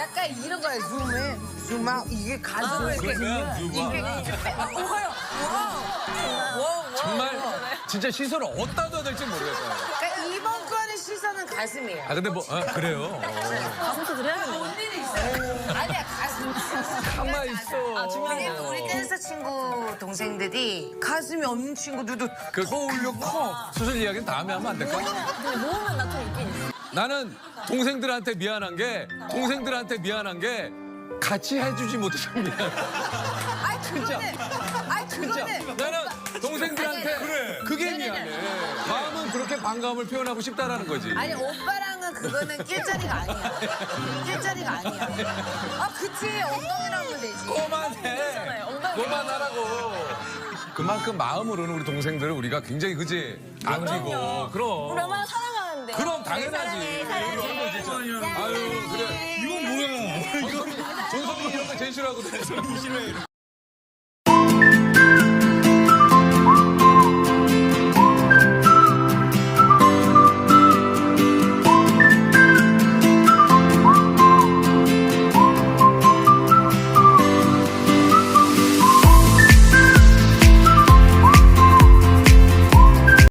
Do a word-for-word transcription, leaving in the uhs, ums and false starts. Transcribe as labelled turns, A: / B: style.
A: 약간 이런 거야. 줌에 줌아 이게 가슴을 이렇게
B: 그거야,
A: 이렇게 이렇게 빼- 어, 와요. 와우.
B: 정말 진짜 시선을 어디다 둬야 될지 모르겠어요.
A: 그러니까 이번 거는 시선은 가슴이에요.
B: 아 근데 뭐 아, 그래요. 어.
C: 가슴도 드려야겠네.
A: 언니는 있어요. 아니야 가슴.
B: 가만 있어.
C: 아, 중요한
A: 왜냐면 우리 댄서 친구 동생들이 가슴이 없는 친구들도
B: 그
A: 더 올려 커.
B: 수술 이야기는 다음에 하면 안 될까?
C: 근데 모으면 나 좀 있긴 있어.
B: 나는 동생들한테 미안한 게 동생들한테 미안한 게 같이 해주지 못해서 미안해.
A: 아이
B: 진짜.
A: 그거는 아이
B: 진짜
A: 그거는
B: 나는 동생들한테 그게 미안해. 마음은 그렇게 반감을 표현하고 싶다라는 거지.
A: 아니 오빠랑은 그거는 낄 자리가 아니야. 낄 자리가 아니야. 아 그치 엉덩이랑 하면 되지.
B: 그만해.
C: 엉덩이.
B: 그만하라고. 그만큼 마음으로는 우리 동생들을 우리가 굉장히 그지 아끼고 그럼.
C: 우리 얼마나 사랑하는데.
B: 그럼 당연하지.
C: 사랑해, 사랑해.
B: 아유 그래.
D: 이건 뭐야?
B: 전섭이 이런 거 제일 싫어하거든.